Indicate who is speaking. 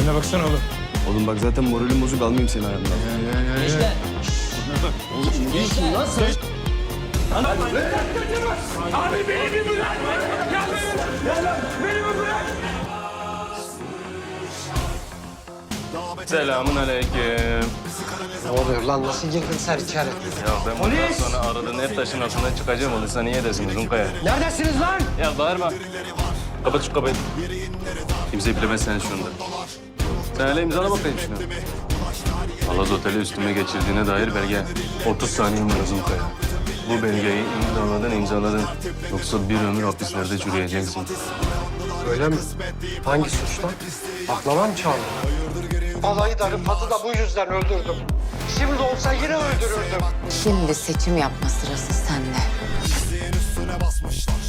Speaker 1: haline baksana oğlum.
Speaker 2: Oğlum bak zaten moralim bozuk, almayayım seni ayağımdan.
Speaker 3: Gençler.
Speaker 2: Oğlum iyisin lan sen.
Speaker 1: Abi beni bir bırak! Beni bir bırak!
Speaker 4: Selamun aleyküm.
Speaker 5: Ne oluyor lan? Nasıl girdin sen içeri?
Speaker 4: Ya ben bundan sonra aradığın ev taşın altından çıkacağım olursa niye desin Zunkaya?
Speaker 5: Neredesiniz lan?
Speaker 4: Ya bağırma. Kapat şu kapıyı. Kimse bilemez sen şunu da. Sen hele imzala bakayım şunu. Alaz Oteli üstüme geçirdiğine dair belge. 30 saniyem var Zunkaya. Bu belgeyi imzaladın. Yoksa bir ömür hapislerde çürüyeceksin.
Speaker 5: Öyle mi? Hangi suçla? Baklava mı çaldın? Balayı da Rıfat'ı da bu yüzden öldürdüm. Şimdi olsa yine öldürürdüm.
Speaker 6: Şimdi seçim yapma sırası sende.
Speaker 7: Üstüne basmışlar.